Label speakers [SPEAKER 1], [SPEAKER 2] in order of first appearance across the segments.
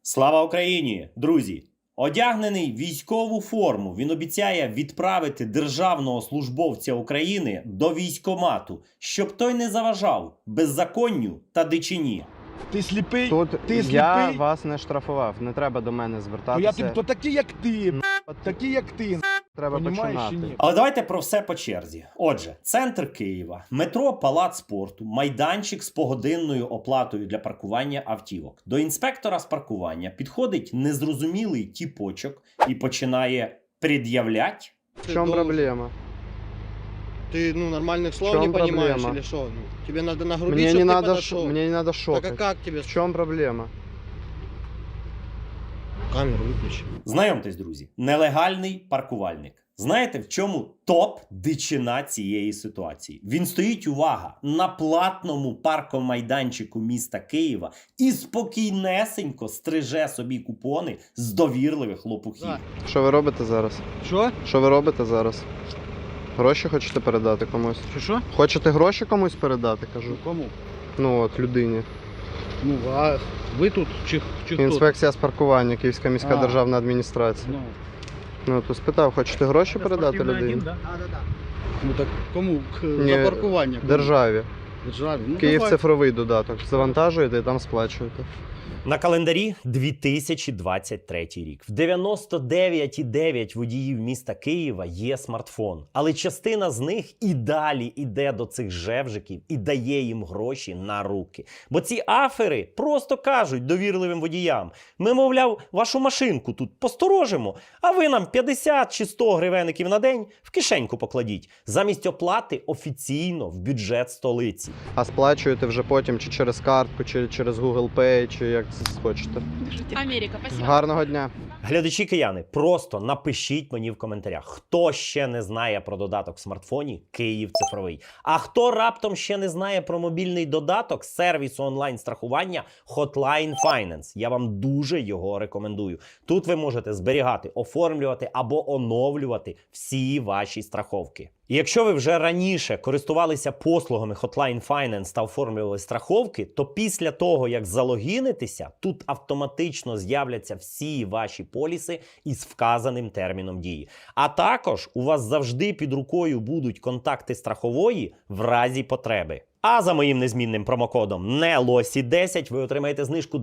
[SPEAKER 1] Слава Україні, друзі! Одягнений в військову форму, він обіцяє відправити державного службовця України до військкомату, щоб той не заважав беззаконню та дичині.
[SPEAKER 2] Ти сліпий?
[SPEAKER 3] Тут
[SPEAKER 2] Ти сліпий?
[SPEAKER 3] я вас не штрафував, не треба до мене
[SPEAKER 2] То
[SPEAKER 3] звертатися.
[SPEAKER 2] то такі, як ти, такі, як ти.
[SPEAKER 3] Треба
[SPEAKER 2] Понімаєш
[SPEAKER 3] починати.
[SPEAKER 2] чи ні?
[SPEAKER 1] Але давайте про все по черзі. Отже, центр Києва, метро Палац спорту, майданчик з погодинною оплатою для паркування автівок. До інспектора з паркування підходить незрозумілий тіпочок і починає пред'являть.
[SPEAKER 3] В чому проблема?
[SPEAKER 4] Ты, нормальных слов
[SPEAKER 3] чем
[SPEAKER 4] не понимаешь
[SPEAKER 3] проблема?
[SPEAKER 4] или что? Тебе надо нагрубить,
[SPEAKER 3] Мне
[SPEAKER 4] чтобы
[SPEAKER 3] не
[SPEAKER 4] ты
[SPEAKER 3] надо,
[SPEAKER 4] подошел.
[SPEAKER 3] мне не надо
[SPEAKER 4] Так
[SPEAKER 3] шокать.
[SPEAKER 4] а как тебе?
[SPEAKER 3] В чому проблема?
[SPEAKER 4] Камеру выключи.
[SPEAKER 1] Знайомтесь, друзі, нелегальний паркувальник. Знаєте, в чому топ-дичина цієї ситуації? Він стоїть, увага, на платному паркомайданчику міста Києва і спокійнесенько стриже собі купони з довірливих лопухів.
[SPEAKER 4] Да.
[SPEAKER 3] Що ви робите зараз?
[SPEAKER 4] Что?
[SPEAKER 3] Що ви робите зараз? Гроші хочете передати комусь?
[SPEAKER 4] Что?
[SPEAKER 3] Хочете гроші комусь передати, кажу?
[SPEAKER 4] Кому?
[SPEAKER 3] Ну от, людині.
[SPEAKER 4] Ну, а вы тут кто?
[SPEAKER 3] Інспекція з паркування, Київська міська
[SPEAKER 4] А.
[SPEAKER 3] державна адміністрація. Ну, то спитав, хочете гроші передати людині?
[SPEAKER 4] Да. Ну так кому?
[SPEAKER 3] Ні,
[SPEAKER 4] За паркування? Кому?
[SPEAKER 3] Державі.
[SPEAKER 4] Державі. Ну,
[SPEAKER 3] Київ
[SPEAKER 4] давай.
[SPEAKER 3] цифровий додаток. Завантажуєте і там сплачуєте.
[SPEAKER 1] На календарі 2023 рік. В 99,9 водіїв міста Києва є смартфон. Але частина з них і далі іде до цих жевжиків і дає їм гроші на руки. Бо ці афери просто кажуть довірливим водіям: ми, мовляв, вашу машинку тут посторожимо, а ви нам 50 чи 100 гривенників на день в кишеньку покладіть. Замість оплати офіційно в бюджет столиці.
[SPEAKER 3] А сплачуєте вже потім чи через картку, чи через Google Pay, чи як це хочете.
[SPEAKER 5] Америка, спасибо.
[SPEAKER 3] Гарного дня.
[SPEAKER 1] Глядачі кияни, просто напишіть мені в коментарях, хто ще не знає про додаток в смартфоні Київ цифровий. А хто раптом ще не знає про мобільний додаток сервісу онлайн-страхування Hotline Finance. Я вам дуже його рекомендую. Тут ви можете зберігати, оформлювати або оновлювати всі ваші страховки. І якщо ви вже раніше користувалися послугами Hotline Finance та оформлювали страховки, то після того, як залогінитеся, тут автоматично з'являться всі ваші поліси із вказаним терміном дії. А також у вас завжди під рукою будуть контакти страхової в разі потреби. А за моїм незмінним промокодом NELOSI10 ви отримаєте знижку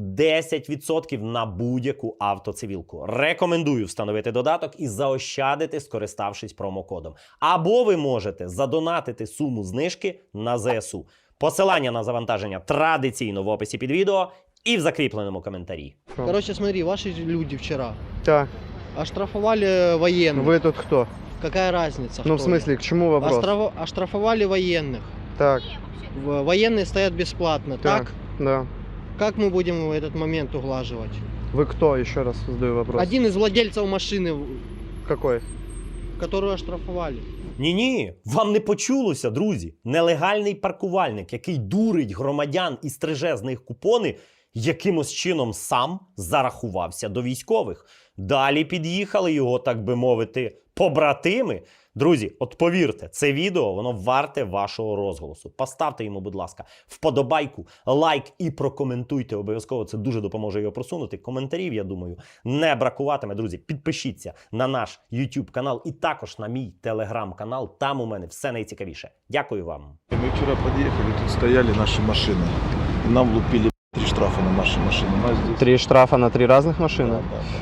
[SPEAKER 1] 10% на будь-яку автоцивілку. Рекомендую встановити додаток і заощадити, скориставшись промокодом. Або ви можете задонатити суму знижки на ЗСУ. Посилання на завантаження традиційно в описі під відео і в закріпленому коментарі.
[SPEAKER 4] Короче, смотри, ваши люди вчера
[SPEAKER 3] Так,
[SPEAKER 4] оштрафовали военных.
[SPEAKER 3] ви тут хто?
[SPEAKER 4] Какая разница?
[SPEAKER 3] Ну, в
[SPEAKER 4] кто
[SPEAKER 3] смысле,
[SPEAKER 4] я?
[SPEAKER 3] к чему вопрос?
[SPEAKER 4] Оштрафовали военных.
[SPEAKER 3] Так,
[SPEAKER 4] Военные стоят бесплатно. Так?
[SPEAKER 3] да.
[SPEAKER 4] Как мы будем этот момент углаживать?
[SPEAKER 3] Вы кто? Еще раз задаю вопрос.
[SPEAKER 4] Один из владельцев машины,
[SPEAKER 3] Какой?
[SPEAKER 4] которую оштрафовали.
[SPEAKER 1] Ні-ні, вам не почулося, друзі. Нелегальний паркувальник, який дурить громадян і стриже з них купони, якимось чином сам зарахувався до військових. Далі під'їхали його, так би мовити, побратими. Друзі, от повірте, це відео, воно варте вашого розголосу. Поставте йому, будь ласка, вподобайку, лайк і прокоментуйте обов'язково. Це дуже допоможе його просунути. Коментарів, я думаю, не бракуватиме. Друзі, підпишіться на наш YouTube канал і також на мій Telegram канал. Там у мене все найцікавіше. Дякую вам.
[SPEAKER 2] Мы вчера подъехали, тут стояли наши машины. И нам лупили 3 штрафа на наши машины. Нас здесь...
[SPEAKER 3] 3 штрафа на 3 разных машины?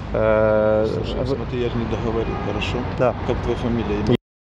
[SPEAKER 2] Да. Слушай,
[SPEAKER 3] Вы-
[SPEAKER 2] смотри, я же не договорил, хорошо?
[SPEAKER 3] Да.
[SPEAKER 2] Как твоя фамилия?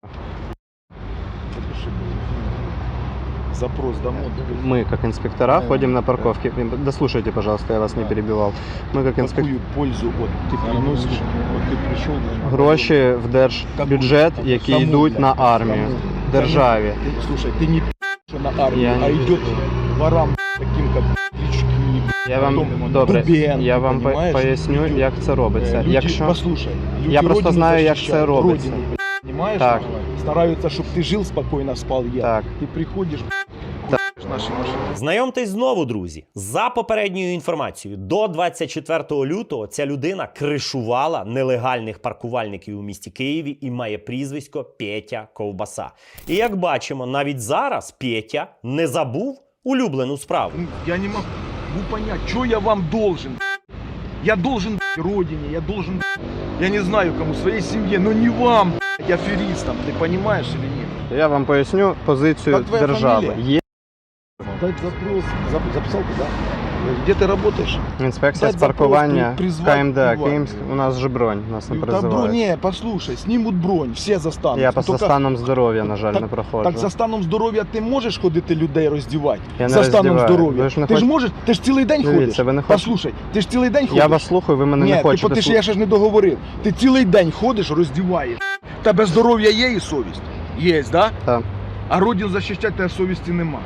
[SPEAKER 2] Запиши мою фамилию. Запрос домой.
[SPEAKER 3] Мы, как инспектора, ходим на парковке. Дослушайте, пожалуйста, я вас не перебивал. Мы, как инспектора,
[SPEAKER 2] Какую пользу от ты приносишь? Вот ты пришел...
[SPEAKER 3] гроші в держбюджет, які
[SPEAKER 2] Кому?
[SPEAKER 3] йдуть на армію,
[SPEAKER 2] Кому?
[SPEAKER 3] державі.
[SPEAKER 2] Слушай, ты не что на армию,
[SPEAKER 3] Я
[SPEAKER 2] а
[SPEAKER 3] не-
[SPEAKER 2] идет ворам таким, как Клички,
[SPEAKER 3] Я вам
[SPEAKER 2] потом
[SPEAKER 3] добре,
[SPEAKER 2] Дубенко,
[SPEAKER 3] я вам
[SPEAKER 2] понимаешь?
[SPEAKER 3] поясню,
[SPEAKER 2] Люди-
[SPEAKER 3] як це робиться.
[SPEAKER 2] Люди,
[SPEAKER 3] Якщо
[SPEAKER 2] послушай, люди
[SPEAKER 3] Я просто
[SPEAKER 2] родину
[SPEAKER 3] знаю, як
[SPEAKER 2] защищают,
[SPEAKER 3] це робиться.
[SPEAKER 2] родину, понимаешь?
[SPEAKER 3] Так.
[SPEAKER 2] Стараются, чтобы ты жил спокойно, спал я.
[SPEAKER 3] Так.
[SPEAKER 2] Ты приходишь, наши машины.
[SPEAKER 1] Знайомтесь знову, друзі. За попередньою інформацією, до 24 лютого ця людина кришувала нелегальних паркувальників у місті Києві і має прізвисько Петя Ковбаса. І як бачимо, навіть зараз Петя не забув улюблену справу.
[SPEAKER 2] Я не могу понять, что я вам должен. Я должен родине, я должен, я не знаю кому, своей семье, но не вам, аферистам, ты понимаешь или нет?
[SPEAKER 3] Я вам поясню позицію
[SPEAKER 2] Как твоя
[SPEAKER 3] держави.
[SPEAKER 2] фамилия?
[SPEAKER 3] Є
[SPEAKER 2] Дать запрос, записал ты, да? Где ты работаешь?
[SPEAKER 3] інспекція з
[SPEAKER 2] Дать запрос,
[SPEAKER 3] паркування
[SPEAKER 2] призвать
[SPEAKER 3] КМД
[SPEAKER 2] прибывание.
[SPEAKER 3] Київськ. У нас же бронь, нас не
[SPEAKER 2] Да, бронь,
[SPEAKER 3] призивають.
[SPEAKER 2] не, послушай, снимут бронь, все застанут.
[SPEAKER 3] Я по
[SPEAKER 2] Только-
[SPEAKER 3] станом здоров'я, на жаль,
[SPEAKER 2] Так-
[SPEAKER 3] не проходжу.
[SPEAKER 2] Так за станом здоров'я ти можеш ходити людей роздівати?
[SPEAKER 3] Я не
[SPEAKER 2] За станом
[SPEAKER 3] роздіваю.
[SPEAKER 2] здоров'я.
[SPEAKER 3] Ви ж не
[SPEAKER 2] Ти ж
[SPEAKER 3] хоч-
[SPEAKER 2] можеш, ти ж цілий день
[SPEAKER 3] Дивіться,
[SPEAKER 2] ходиш.
[SPEAKER 3] ви не хочете-
[SPEAKER 2] Послухай, ти ж цілий день ходиш.
[SPEAKER 3] Я вас слухаю, ви мене
[SPEAKER 2] Ні,
[SPEAKER 3] не хочете
[SPEAKER 2] ти ж я ще ж не договорив. Ти цілий день ходиш, роздіваєш. Тебе здоров'я є і совість? Є, да?
[SPEAKER 3] Так.
[SPEAKER 2] А родину захищати тебе совісті нема.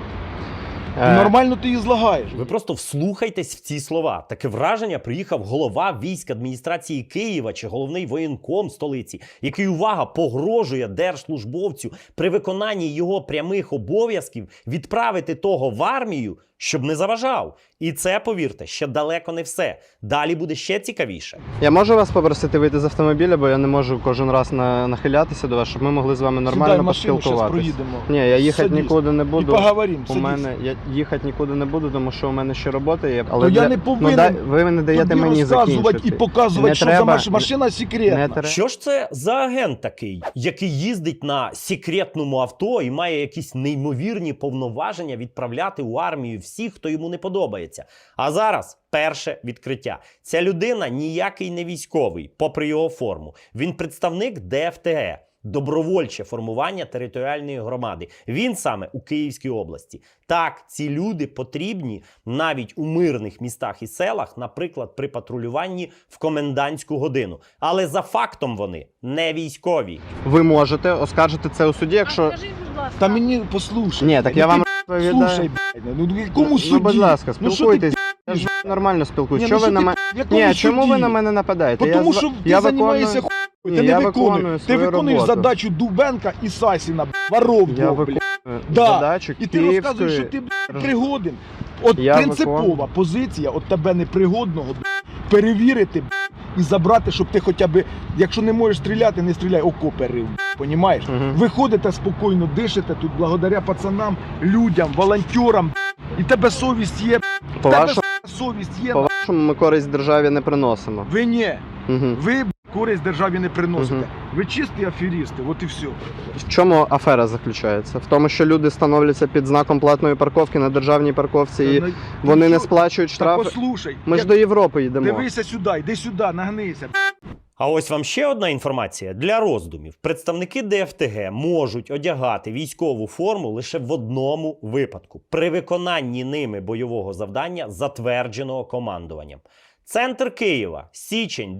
[SPEAKER 3] Е,
[SPEAKER 2] Нормально ти її злагаєш.
[SPEAKER 1] Ви просто вслухайтесь в ці слова. Таке враження приїхав голова військ адміністрації Києва чи головний воєнком столиці, який, увага, погрожує держслужбовцю при виконанні його прямих обов'язків відправити того в армію, щоб не заважав. І це, повірте, ще далеко не все. Далі буде ще цікавіше.
[SPEAKER 3] Я можу вас попросити вийти з автомобіля, бо я не можу кожен раз нахилятися до вас, щоб ми могли з вами
[SPEAKER 2] Сідай
[SPEAKER 3] нормально
[SPEAKER 2] в машину, зараз
[SPEAKER 3] поспілкуватися.
[SPEAKER 2] проїдемо.
[SPEAKER 3] Ні, я їхати
[SPEAKER 2] Садись.
[SPEAKER 3] нікуди не
[SPEAKER 2] І
[SPEAKER 3] буду.
[SPEAKER 2] поговоримо,
[SPEAKER 3] У
[SPEAKER 2] садись.
[SPEAKER 3] мене я їхати нікуди не буду, тому що у мене ще робота є.
[SPEAKER 2] То я не повинен
[SPEAKER 3] ви не даєте
[SPEAKER 2] тобі
[SPEAKER 3] мені
[SPEAKER 2] розказувати
[SPEAKER 3] закінчити.
[SPEAKER 2] і показувати,
[SPEAKER 3] Не
[SPEAKER 2] що
[SPEAKER 3] треба,
[SPEAKER 2] за машина секретна.
[SPEAKER 3] не треба.
[SPEAKER 1] Що ж це за агент такий, який їздить на секретному авто і має якісь неймовірні повноваження відправляти у армію всіх, хто йому не подобається? А зараз перше відкриття. Ця людина ніякий не військовий, попри його форму. Він представник ДФТГ. Добровольче формування територіальної громади. Він саме у Київській області. Так, ці люди потрібні навіть у мирних містах і селах, наприклад, при патрулюванні в комендантську годину. Але за фактом вони не військові.
[SPEAKER 3] Ви можете оскаржити це у суді, якщо...
[SPEAKER 5] Скажи, будь ласка.
[SPEAKER 2] Та мені послухай.
[SPEAKER 3] Ні, так я
[SPEAKER 2] Ну,
[SPEAKER 3] вам
[SPEAKER 2] ти
[SPEAKER 3] розповідаю.
[SPEAKER 2] слушай, блядь, ну кому
[SPEAKER 3] Ну,
[SPEAKER 2] судді?
[SPEAKER 3] будь ласка,
[SPEAKER 2] Ну, що ти,
[SPEAKER 3] спілкуйтесь. Я ж нормально спілкуюсь.
[SPEAKER 2] Ні,
[SPEAKER 3] Що
[SPEAKER 2] ну,
[SPEAKER 3] ви
[SPEAKER 2] що
[SPEAKER 3] на
[SPEAKER 2] ти,
[SPEAKER 3] мене...
[SPEAKER 2] в якому
[SPEAKER 3] Ні, чому ви
[SPEAKER 2] суді?
[SPEAKER 3] на мене нападаєте?
[SPEAKER 2] Тому
[SPEAKER 3] зва-
[SPEAKER 2] що ти
[SPEAKER 3] я
[SPEAKER 2] займаєшся
[SPEAKER 3] виконую-
[SPEAKER 2] хуй,
[SPEAKER 3] Ні,
[SPEAKER 2] ти
[SPEAKER 3] я
[SPEAKER 2] не
[SPEAKER 3] виконую
[SPEAKER 2] виконуєш. Ти
[SPEAKER 3] свою
[SPEAKER 2] виконуєш
[SPEAKER 3] роботу.
[SPEAKER 2] задачу Дубенка і Сасіна, воров
[SPEAKER 3] Я
[SPEAKER 2] двох,
[SPEAKER 3] виконую
[SPEAKER 2] блядь. Да.
[SPEAKER 3] задачу
[SPEAKER 2] І ти розказуєш, що
[SPEAKER 3] Київської...
[SPEAKER 2] ти, блядь, пригоден. От
[SPEAKER 3] Я
[SPEAKER 2] принципова
[SPEAKER 3] виконую.
[SPEAKER 2] позиція, от тебе непригодного, блядь, перевірити, блядь, і забрати, щоб ти хоча б, якщо не можеш стріляти, не стріляй, окопи рив, понімаєш?
[SPEAKER 3] Мгм.
[SPEAKER 2] Ви ходите спокійно, дишите тут благодаря пацанам, людям, волонтерам, і тебе совість є,
[SPEAKER 3] По
[SPEAKER 2] тебе
[SPEAKER 3] вашому,
[SPEAKER 2] совість є.
[SPEAKER 3] по-вашому ми користь державі не приносимо.
[SPEAKER 2] Ви ні,
[SPEAKER 3] Угу.
[SPEAKER 2] ви користь державі не приносите.
[SPEAKER 3] Мгм.
[SPEAKER 2] Ви чисті аферісти, от і все.
[SPEAKER 3] В чому афера заключається? В тому, що люди становляться під знаком платної парковки на державній парковці і вони не сплачують
[SPEAKER 2] Та
[SPEAKER 3] штрафи.
[SPEAKER 2] послухай,
[SPEAKER 3] Ми ж
[SPEAKER 2] як-
[SPEAKER 3] до Європи йдемо.
[SPEAKER 2] дивися сюди, йди сюди, нагнися.
[SPEAKER 1] А ось вам ще одна інформація для роздумів. Представники ДФТГ можуть одягати військову форму лише в одному випадку – при виконанні ними бойового завдання, затвердженого командуванням. Центр Києва, січень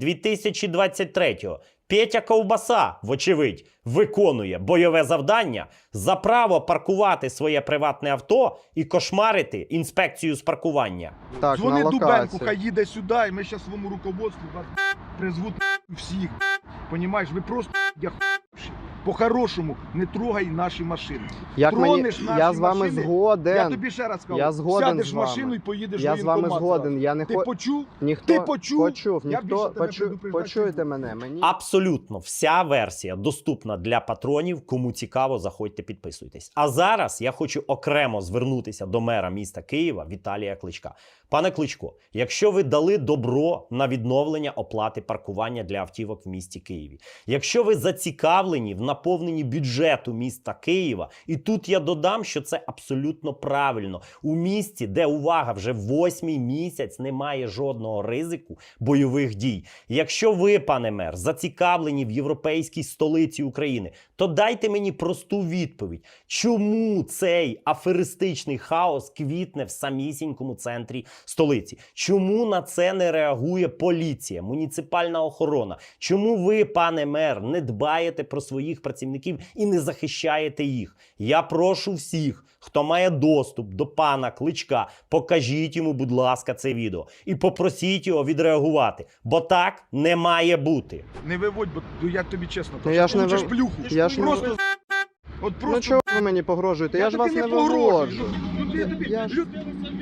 [SPEAKER 1] 2023-го. Петя Ковбаса, вочевидь, виконує бойове завдання за право паркувати своє приватне авто і кошмарити інспекцію з паркування.
[SPEAKER 3] Так,
[SPEAKER 2] Дзвони
[SPEAKER 3] на
[SPEAKER 2] Дубенку,
[SPEAKER 3] локації.
[SPEAKER 2] хай їде сюди, і ми зараз своєму руководству вас призвуть всіх. Понімаєш, ви просто яхуші. По-хорошому, не трогай наші машини.
[SPEAKER 3] Як мені...
[SPEAKER 2] Тронеш наші
[SPEAKER 3] Я з вами
[SPEAKER 2] машини,
[SPEAKER 3] згоден.
[SPEAKER 2] Я тобі ще раз кажу,
[SPEAKER 3] Я згоден
[SPEAKER 2] сядеш
[SPEAKER 3] з
[SPEAKER 2] в
[SPEAKER 3] вами.
[SPEAKER 2] машину і поїдеш
[SPEAKER 3] Я
[SPEAKER 2] в
[SPEAKER 3] з вами
[SPEAKER 2] воєнкомат
[SPEAKER 3] згоден.
[SPEAKER 2] зразу.
[SPEAKER 3] Я не
[SPEAKER 2] Ти
[SPEAKER 3] хо...
[SPEAKER 2] почув?
[SPEAKER 3] Ніхто...
[SPEAKER 2] Ти почув?
[SPEAKER 3] Почув.
[SPEAKER 2] Я більше
[SPEAKER 3] Ніхто...
[SPEAKER 2] тебе
[SPEAKER 3] Почу...
[SPEAKER 2] предупреждати
[SPEAKER 3] Почуйте
[SPEAKER 2] не
[SPEAKER 3] мене. Мені...
[SPEAKER 1] Абсолютно вся версія доступна для патронів. Кому цікаво, заходьте, підписуйтесь. А зараз я хочу окремо звернутися до мера міста Києва Віталія Кличка. Пане Кличко, якщо ви дали добро на відновлення оплати паркування для автівок в місті Києві, якщо ви зацікавлені в наповненні бюджету міста Києва, і тут я додам, що це абсолютно правильно. У місті, де, увага, вже 8-й місяць немає жодного ризику бойових дій. Якщо ви, пане мер, зацікавлені в європейській столиці України, то дайте мені просту відповідь. Чому цей аферистичний хаос квітне в самісінькому центрі столиці? Чому на це не реагує поліція, муніципальна охорона? Чому ви, пане мер, не дбаєте про своїх працівників і не захищаєте їх? Я прошу всіх, хто має доступ до пана Кличка, покажіть йому, будь ласка, це відео. І попросіть його відреагувати. Бо так не має бути.
[SPEAKER 2] Не виводь, бо я тобі чесно
[SPEAKER 3] Ну,
[SPEAKER 2] кажу.
[SPEAKER 3] я ж не
[SPEAKER 2] Получиш
[SPEAKER 3] вив-
[SPEAKER 2] плюху.
[SPEAKER 3] я ж не
[SPEAKER 2] просто, от
[SPEAKER 3] Ну
[SPEAKER 2] просто
[SPEAKER 3] чого ви мені погрожуєте? Я ж вас
[SPEAKER 2] тобі
[SPEAKER 3] не
[SPEAKER 2] погрожую.
[SPEAKER 3] виводжу.
[SPEAKER 2] Ну, я тобі-
[SPEAKER 3] Я ж-
[SPEAKER 2] Люд-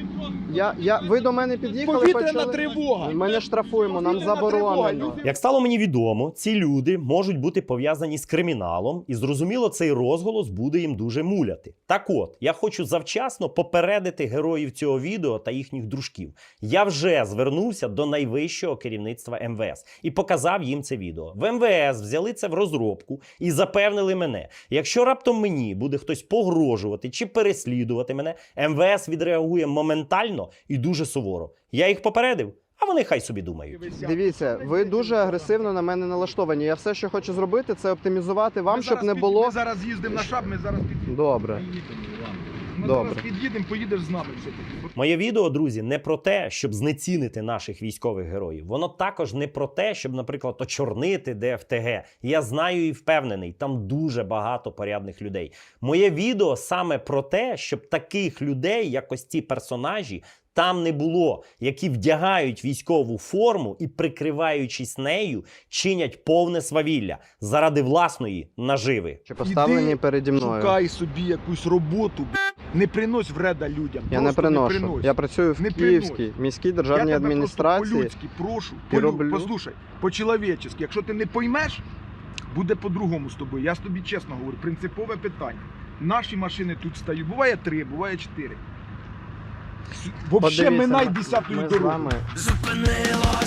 [SPEAKER 3] Ви до мене під'їхали,
[SPEAKER 2] Повітряна
[SPEAKER 3] почали?
[SPEAKER 2] тривога.
[SPEAKER 3] Ми не штрафуємо, нам
[SPEAKER 2] Повітряна
[SPEAKER 3] заборонено.
[SPEAKER 2] тривога.
[SPEAKER 1] Як стало мені відомо, ці люди можуть бути пов'язані з криміналом, і зрозуміло, цей розголос буде їм дуже муляти. Так от, я хочу завчасно попередити героїв цього відео та їхніх дружків. Я вже звернувся до найвищого керівництва МВС і показав їм це відео. В МВС взяли це в розробку і запевнили мене, якщо раптом мені буде хтось погрожувати чи переслідувати мене, МВС відреагує моментально і дуже суворо. Я їх попередив, а вони хай собі думають.
[SPEAKER 3] Дивіться, ви дуже агресивно на мене налаштовані. Я все, що хочу зробити, це оптимізувати вам, щоб не було...
[SPEAKER 2] Ми зараз їздимо на шаб, ми зараз під'їдемо.
[SPEAKER 3] Добре.
[SPEAKER 2] Ми
[SPEAKER 3] Добре.
[SPEAKER 2] зараз під'їдемо, поїдеш з нами все-таки.
[SPEAKER 1] Моє відео, друзі, не про те, щоб знецінити наших військових героїв. Воно також не про те, щоб, наприклад, очорнити ДФТГ. Я знаю і впевнений, там дуже багато порядних людей. Моє відео саме про те, щоб таких людей, як ось ці персонажі, там не було, які вдягають військову форму і, прикриваючись нею, чинять повне свавілля заради власної наживи.
[SPEAKER 3] Чи поставлені
[SPEAKER 2] Іди,
[SPEAKER 3] переді мною.
[SPEAKER 2] Шукай собі якусь роботу, не принось вреда людям.
[SPEAKER 3] Я не
[SPEAKER 2] Просто
[SPEAKER 3] приношу.
[SPEAKER 2] принось.
[SPEAKER 3] Я працюю в
[SPEAKER 2] Не
[SPEAKER 3] Київській міській державній
[SPEAKER 2] Я тебе
[SPEAKER 3] адміністрації.
[SPEAKER 2] просто по-людськи прошу,
[SPEAKER 3] І роблю.
[SPEAKER 2] послухай, по-чоловічески. Якщо ти не поймеш, буде по-другому з тобою. Я ж тобі чесно говорю, принципове питання. Наші машини тут стають. Буває 3, буває 4. Взагалі
[SPEAKER 3] Подивіться,
[SPEAKER 2] минай
[SPEAKER 3] ми
[SPEAKER 2] 10-ю
[SPEAKER 3] з
[SPEAKER 2] дорогу.
[SPEAKER 3] вами
[SPEAKER 1] Зупинила